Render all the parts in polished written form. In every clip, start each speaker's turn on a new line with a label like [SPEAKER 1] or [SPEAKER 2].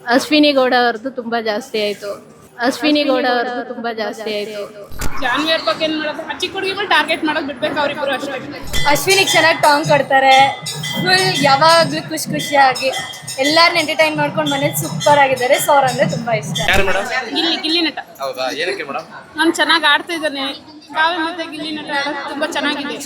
[SPEAKER 1] ಅಶ್ವಿನಿ ಗೌಡ ಅವ್ರದ್ದು ತುಂಬಾ ಜಾಸ್ತಿ ಆಯ್ತು. ಅಶ್ವಿನಿ ಗೌಡ ಅವ್ರದ್ದು ತುಂಬಾ ಜಾಸ್ತಿ ಆಯ್ತು.
[SPEAKER 2] ಜಾನ್ವಿ ಅವ್ರ ಬಗ್ಗೆ ಏನು ಮಾಡೋದು, ಚಿಕ್ಕ ಹುಡುಗಿಗಳು ಟಾರ್ಗೆಟ್ ಮಾಡೋದು ಬಿಡ್ಬೇಕು ಅವ್ರಿಬ್ರು ಅಷ್ಟೇ.
[SPEAKER 3] ಅಶ್ವಿನಿಗೆ ಚೆನ್ನಾಗಿ ಟಾಂಗ್ ಕೊಡ್ತಾರೆ. ಫುಲ್ ಯಾವಾಗಲೂ ಖುಷಿಯಾಗಿ ಎಲ್ಲಾರನ್ನ ಎಂಟರ್ಟೈನ್ ಮಾಡ್ಕೊಂಡು ಮನೇಲಿ ಸೂಪರ್ ಆಗಿದ್ದಾರೆ. ಸೊ ಅವ್ರಂದ್ರೆ ತುಂಬಾ ಇಷ್ಟ.
[SPEAKER 4] ಯಾರು ಮೇಡಮ್?
[SPEAKER 2] ಗಿಲ್ಲಿ ನಟ.
[SPEAKER 4] ಹೌದಾ, ಏನಕ್ಕೆ ಮೇಡಮ್?
[SPEAKER 2] ನಾನು ಚೆನ್ನಾಗಿ ಆಡ್ತಾ ಇದ್ದಾನೆ. ಕಾವ್ಯ ಮತ್ತೆ ಗಿಲ್ಲಿ ನಟ ಆಡೋದು ತುಂಬಾ ಚೆನ್ನಾಗಿದೆ.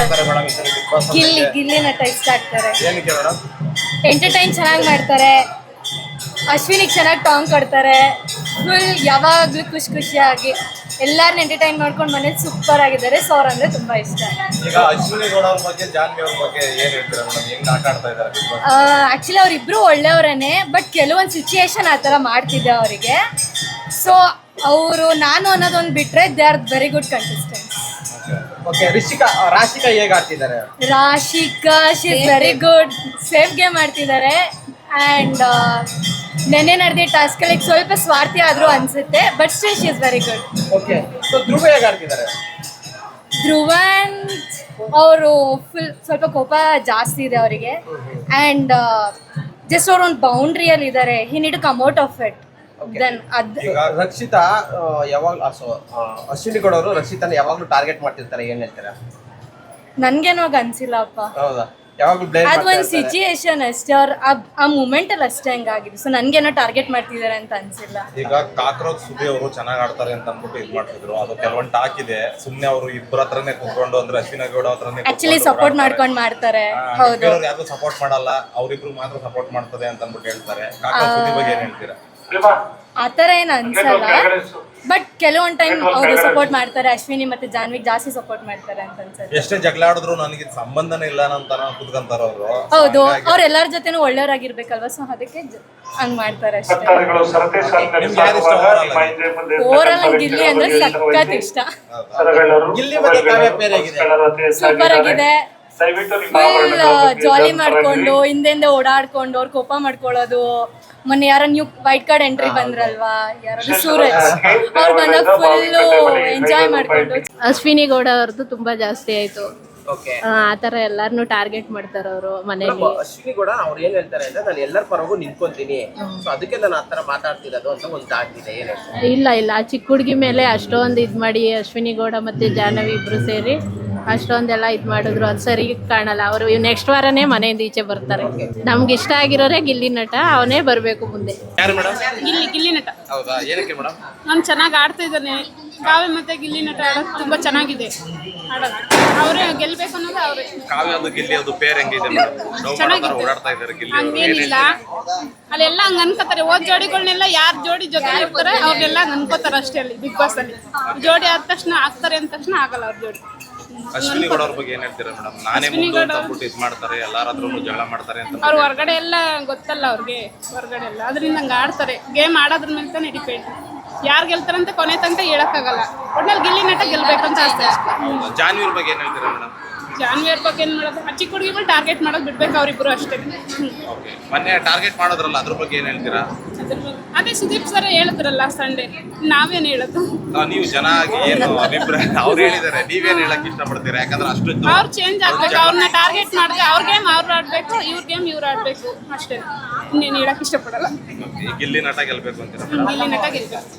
[SPEAKER 3] ಗಿಲ್ಲಿ ನಟ ಇಷ್ಟ ಆಗ್ತಾರೆ.
[SPEAKER 4] ಏನಕ್ಕೆ ಮೇಡಮ್?
[SPEAKER 3] ಎಂಟರ್ಟೈನ್ ಚೆನ್ನಾಗಿ ಮಾಡ್ತಾರೆ. ಅಶ್ವಿನಿಗೆ ಚೆನ್ನಾಗಿ ಟಾಂಗ್ ಕೊಡ್ತಾರೆ. ಫುಲ್ ಯಾವಾಗಲೂ ಖುಷಿಯಾಗಿ ಎಲ್ಲಾರನ್ನ ಎಂಟರ್ಟೈನ್ ಮಾಡ್ಕೊಂಡು ಮನೇಲಿ ಸೂಪರ್ ಆಗಿದ್ದಾರೆ. ಸೊ ಅವ್ರಂದ್ರೆ ತುಂಬಾ ಇಷ್ಟ.
[SPEAKER 4] ಈಗ ಅಶ್ವಿನಿ ಗೌಡ ಅವ್ರ ಬಗ್ಗೆ, ಜಾನ್ವಿ ಅವ್ರ ಬಗ್ಗೆ ಏನ್ ಹೇಳ್ತೀರಾ ಮೇಡಮ್? ಹೆಂಗ್ ಆಟ ಆಡ್ತಾ ಇದ್ದಾರೆ?
[SPEAKER 3] ಆ್ಯಕ್ಚುಲಿ ಅವರಿಬ್ರು ಒಳ್ಳೆಯವರೇನೆ, ಬಟ್ ಕೆಲವೊಂದು ಸಿಚುಯೇಷನ್ ಆ ಥರ ಮಾಡ್ತಿದ್ದೆ ಅವರಿಗೆ. ಸೊ ಅವರು ನಾನು ಅನ್ನೋದೊಂದು ಬಿಟ್ಟರೆ they are very good contestants.
[SPEAKER 4] Okay, Rashika ಹೇಗೆ ಆಡ್ತಿದ್ದಾರೆ?
[SPEAKER 3] Rashika she is very good. Safe game ಆಡ್ತಿದ್ದಾರೆ. ಆ್ಯಂಡ್ ನೆನ್ನೆ ನಡೆದ ಟಾಸ್ಕಲ್ಲಿ ಸ್ವಲ್ಪ ಸ್ವಾರ್ಥಿ ಆದರೂ ಅನಿಸುತ್ತೆ, but still she is very good.
[SPEAKER 4] Okay, so Dhruva ಹೇಗೆ ಆಡ್ತಿದ್ದಾರೆ?
[SPEAKER 3] ಧ್ರುವನ್ ಅವರು ಸ್ವಲ್ಪ ಕೋಪ ಜಾಸ್ತಿ ಇದೆ ಅವರಿಗೆ. ಆ್ಯಂಡ್ ಜಸ್ಟ್ ಅವ್ರು ಒಂದು ಬೌಂಡ್ರಿಯಲ್ಲಿ ಇದ್ದಾರೆ. He need to come out of it. Then
[SPEAKER 5] ಈಗ ರಕ್ಷಿತಾ ಯಾವಾಗ ಅಶ್ವಿನಿ ಗೌಡ ಅವರು ರಕ್ಷಿತಾನ ಯಾವಾಗ್ಲೂ ಟಾರ್ಗೆಟ್ ಮಾಡ್ತಿರ್ತಾರೆ, ಏನ್ ಹೇಳ್ತಾರೆ?
[SPEAKER 3] ನನ್ಗೇನೋ ಅನ್ಸಿಲ್ಲಪ್ಪ.
[SPEAKER 5] ಹೌದಾ? ಯಾವಾಗ್ಲೂ ಬ್ಲೇಮ್
[SPEAKER 3] ಅದು ಒಂದು ಸಿಚುಯೇಷನ್ ಅಷ್ಟೇ. ಅವ್ರು ಆ ಮೂಮೆಂಟ್ ಅಲ್ಲಿ ಅಷ್ಟೇ ಹಂಗಾಗಿದೆ. ಸೊ ನನ್ಗೇನೋ ಟಾರ್ಗೆಟ್ ಮಾಡ್ತಿದ್ದಾರೆ ಅಂತ ಅನ್ಸಿಲ್ಲ.
[SPEAKER 4] ಈಗ ಕಾಕ್ರೋಚ್ ಸುದಿ ಅವರು ಚೆನ್ನಾಗಿ ಆಡ್ತಾರೆ ಅಂತ ಅಂದ್ಬಿಟ್ಟು ಇದು ಮಾಡ್ತಿದ್ರು. ಅದು ಕೆಲವೊಂದು ಟಾಕ್ ಇದೆ. ಸುಮ್ನೆ ಅವರು ಇಬ್ಬರ ಹತ್ರನೇ ಕುತ್ಕೊಂಡು, ಅಂದ್ರೆ ಅಶ್ವಿನಿ ಗೌಡ ಹತ್ರನೇ
[SPEAKER 3] ಆಕ್ಚುಲಿ ಸಪೋರ್ಟ್ ಮಾಡ್ಕೊಂಡು ಮಾಡ್ತಾರೆ. ಹೌದು,
[SPEAKER 4] ಯಾರು ಸಪೋರ್ಟ್ ಮಾಡಲ್ಲ, ಅವ್ರಿಬ್ರು ಮಾತ್ರ ಸಪೋರ್ಟ್ ಮಾಡ್ತದೆ ಅಂತ ಅಂದ್ಬಿಟ್ಟು ಹೇಳ್ತಾರೆ. ಕಾಕ್ರೋಚ್ ಸುದಿ ಬಗ್ಗೆ ಏನ್ ಹೇಳ್ತೀರಾ?
[SPEAKER 3] ಆ ಥರ ಏನು ಅನ್ಸಲ್ಲ, ಬಟ್ ಕೆಲವೊಂದು ಟೈಮ್ ಅವರು ಸಪೋರ್ಟ್ ಮಾಡ್ತಾರೆ. ಅಶ್ವಿನಿ ಮತ್ತೆ ಜಾನ್ವಿಗೆ ಜಾಸ್ತಿ ಸಪೋರ್ಟ್ ಮಾಡ್ತಾರೆ ಅಂತ ಅನ್ಸುತ್ತೆ.
[SPEAKER 4] ಎಷ್ಟೇ ಜಗಳ ಆಡಿದ್ರು ನನಗೆ ಸಂಬಂಧನೇ ಇಲ್ಲ ಅಂತ ಕುತ್ಕೊಂತಾರ ಅವರು.
[SPEAKER 3] ಹೌದು, ಅವ್ರು ಎಲ್ಲರ ಜೊತೆನೂ ಒಳ್ಳೆಯವರಾಗಿರ್ಬೇಕಲ್ವಾ. ಸೊ ಅದಕ್ಕೆ ಹಂಗ್ ಮಾಡ್ತಾರೆ ಅಷ್ಟೇ. ಓವರಾಲ್ ನಂಗೆ ಗಿಲ್ಲಿ ಅಂದ್ರೆ ಸಖತ್ ಇಷ್ಟ.
[SPEAKER 5] ಗಿಲ್ಲಿ ಮತ್ತೆ ಕಾವ್ಯ ಪೇರ್ ಹೇಗಿದೆ?
[SPEAKER 3] ಸೂಪರ್ ಆಗಿದೆ. ಫುಲ್ ಜಾಲಿ ಮಾಡ್ಕೊಂಡು ಹಿಂದೆ ಓಡಾಡ್ಕೊಂಡು ಅವ್ರು ಕೋಪ ಮಾಡ್ಕೊಳ್ಳೋದು. ಮೊನ್ನೆ ಯಾರೋ ನ್ಯೂ ವೈಟ್ ಕಾರ್ಡ್ ಎಂಟ್ರಿ ಬಂದ್ರಲ್ವಾ, ಯಾರಾದ್ರು ಸೂರಜ್, ಅವ್ರು ಬಂದಾಗ ಫುಲ್ ಎಂಜಾಯ್ ಮಾಡ್ಕೊಂಡು.
[SPEAKER 1] ಅಶ್ವಿನಿ ಗೌಡ ಅವ್ರದ್ದು ತುಂಬಾ ಜಾಸ್ತಿ ಆಯ್ತು.
[SPEAKER 5] ಓಕೆ,
[SPEAKER 1] ಆ ತರ ಎಲ್ಲಾರನು ಟಾರ್ಗೆಟ್ ಮಾಡ್ತಾರ ಅವರು ಮನೇಲಿ.
[SPEAKER 5] ಅಶ್ವಿನಿ ಗೌಡ ಅವ್ರು ಏನ್ ಹೇಳ್ತಾರೆ ಅಂದ್ರೆ, ನಾನು ಎಲ್ಲರ ಪರಗೂ ನಿಂತ್ಕೊಂತೀನಿ, ಸೊ ಅದಕ್ಕೆ ನಾನು ಆತರ ಮಾತಾಡ್ತಿರೋದು ಅಂತ ಒಂದು ಆಗ್ತಿದೆ. ಏನ್ ಹೇಳ್ತಾರೆ?
[SPEAKER 1] ಇಲ್ಲ ಆ ಚಿಕ್ಕ ಹುಡುಗಿ ಮೇಲೆ ಅಷ್ಟೊಂದು ಇದ್ ಮಾಡಿ ಅಶ್ವಿನಿ ಗೌಡ ಮತ್ತೆ ಜಾಹ್ನವಿ ಇಬ್ರು ಸೇರಿ ಅಷ್ಟೊಂದೆಲ್ಲ ಇದ್ ಮಾಡಿದ್ರು. ಅದು ಸರಿ ಕಾಣಲ್ಲ. ಅವರು ನೆಕ್ಸ್ಟ್ ವಾರನೇ ಮನೆಯಿಂದ ಈಚೆ ಬರ್ತಾರೆ. ನಮ್ಗೆ ಇಷ್ಟ ಆಗಿರೋರೇ ಗಿಲ್ಲಿ ನಟ, ಅವನೇ ಬರ್ಬೇಕು ಮುಂದೆ.
[SPEAKER 4] ಯಾರು ಮೇಡಮ್?
[SPEAKER 2] ಗಿಲ್ಲಿ ನಟ.
[SPEAKER 4] ಹೌದಾ, ಏನಕ್ಕೆ ಮೇಡಮ್?
[SPEAKER 2] ನಾನು ಚೆನ್ನಾಗಿ ಆಡ್ತಾ ಇದ್ದಾನೆ. ಕಾವ್ಯ ಮತ್ತೆ ಗಿಲ್ಲಿ ನಟ ಆಡೋದು ತುಂಬಾ ಚೆನ್ನಾಗಿದೆ. ಆಡೋದು ಅವರೇ ಗೆಲ್ಬೇಕು ಅನ್ನೋದು ಅವರೇ.
[SPEAKER 4] ಕಾವ್ಯ ಅದು ಗಿಲ್ಲಿ ಅದು ಪೇರ್ ಹೆಂಗಿದೆ ಮೇಡಮ್?
[SPEAKER 2] ಚೆನ್ನಾಗಿದೆ.
[SPEAKER 4] ಓಡಾಡ್ತಾ ಇದ್ದಾರೆ ಗಿಲ್ಲಿ.
[SPEAKER 2] ಹಂಗೇನಿಲ್ಲ, ಅಲ್ಲೆಲ್ಲ ಹಂಗ ಅನ್ಕೋತಾರೆ. ಓದ್ ಜೋಡಿಗಳನ್ನೆಲ್ಲ ಯಾರ್ ಜೋಡಿ ಜೊತೆ ಇರ್ತಾರೆ ಅವ್ರನ್ನೆಲ್ಲ ಹಂಗ ಅನ್ಕೋತಾರೆ ಅಷ್ಟೇ. ಅಲ್ಲಿ ಬಿಗ್ ಬಾಸ್ ಅಲ್ಲಿ ಜೋಡಿ ಆದ ತಕ್ಷಣ ಆಗ್ತಾರೆ ಅಂದ ತಕ್ಷಣ ಆಗಲ್ಲ ಅವ್ರ ಜೋಡಿ.
[SPEAKER 4] ಅಶ್ವಿನಿ ಗೌಡ ಅವ್ರ ಬಗ್ಗೆ ಏನ್ ಹೇಳ್ತೀರಾ ಮೇಡಮ್? ನಾನೇ ಮುಂದೆ ಅಂತ ಅಂದ್ಬಿಟ್ಟು ಇದು ಮಾಡ್ತಾರೆ, ಎಲ್ಲಾರ ಹತ್ರನು ಜಗಳ ಮಾಡ್ತಾರೆ ಅಂತ.
[SPEAKER 2] ಅವ್ರ ಹೊರಗಡೆ ಎಲ್ಲ ಗೊತ್ತಲ್ಲ ಅವ್ರಿಗೆ, ಹೊರಗಡೆ ಎಲ್ಲ ಅದರಿಂದ ಹಂಗ ಆಡ್ತಾರೆ. ಗೇಮ್ ಆಡೋದ್ರ ಮೇಲೆ ತಾನೇ ಡಿಪೆಂಡ್. ಯಾರು ಗೆಲ್ತಾರಂತ ಕೊನೆ ತನಕ ಹೇಳಕ್ಕಾಗಲ್ಲ. ಒಟ್ನಲ್ಲಿ ಗಿಲ್ಲಿ ನಟ ಗೆಲ್ಬೇಕಂತ ಆಸೆ ಅಷ್ಟೇ.
[SPEAKER 4] ಜಾನ್ವಿ ಅವ್ರ ಬಗ್ಗೆ ಏನ್ ಹೇಳ್ತೀರಾ ಮೇಡಮ್?
[SPEAKER 2] ಜಾನ್ವಿ ಅವ್ರ ಬಗ್ಗೆ ಏನು ಮಾಡೋದು, ಚಿಕ್ಕ ಹುಡುಗಿಗಳು ಟಾರ್ಗೆಟ್ ಮಾಡೋದು ಬಿಡ್ಬೇಕು ಅವ್ರಿಬ್ರು ಅಷ್ಟೇ.
[SPEAKER 4] ಓಕೆ, ಮೊನ್ನೆ ಟಾರ್ಗೆಟ್ ಮಾಡೋದ್ರಲ್ಲ, ಅದ್ರ ಬಗ್ಗೆ ಏನ್ ಹೇಳ್ತೀರಾ?
[SPEAKER 2] ಅದೇ ಸುದೀಪ್ ಸರ್ ಹೇಳಿದ್ರಲ್ಲ ಸಂಡೇ, ನಾವೇನು ಹೇಳೋದು?
[SPEAKER 4] ನೀವು ಜನ ಆಗಿ ಏನು ಅಭಿಪ್ರಾಯ ಅವ್ರು ಹೇಳಿದ್ದಾರೆ, ನೀವೇನ್ ಹೇಳಕ್ ಇಷ್ಟಪಡ್ತೀರಾ? ಯಾಕಂದ್ರೆ ಅಷ್ಟು
[SPEAKER 2] ಅವ್ರು ಚೇಂಜ್ ಆಗ್ಬೇಕು. ಅವ್ರನ್ನ ಟಾರ್ಗೆಟ್ ಮಾಡಿದ್ರೆ ಅವ್ರ ಗೇಮ್ ಅವ್ರು ಆಡ್ಬೇಕು, ಇವ್ರ ಗೇಮ್ ಇವ್ರು ಆಡ್ಬೇಕು ಅಷ್ಟೇ. ಇನ್ನೇನು ಹೇಳಕ್ ಇಷ್ಟಪಡಲ್ಲ.
[SPEAKER 4] ಗಿಲ್ಲಿ ನಟ ಗೆಲ್ಬೇಕು ಅಂತೀರಾ?
[SPEAKER 2] ಗಿಲ್ಲಿ ನಟ ಗೆಲ್ಬೇಕು.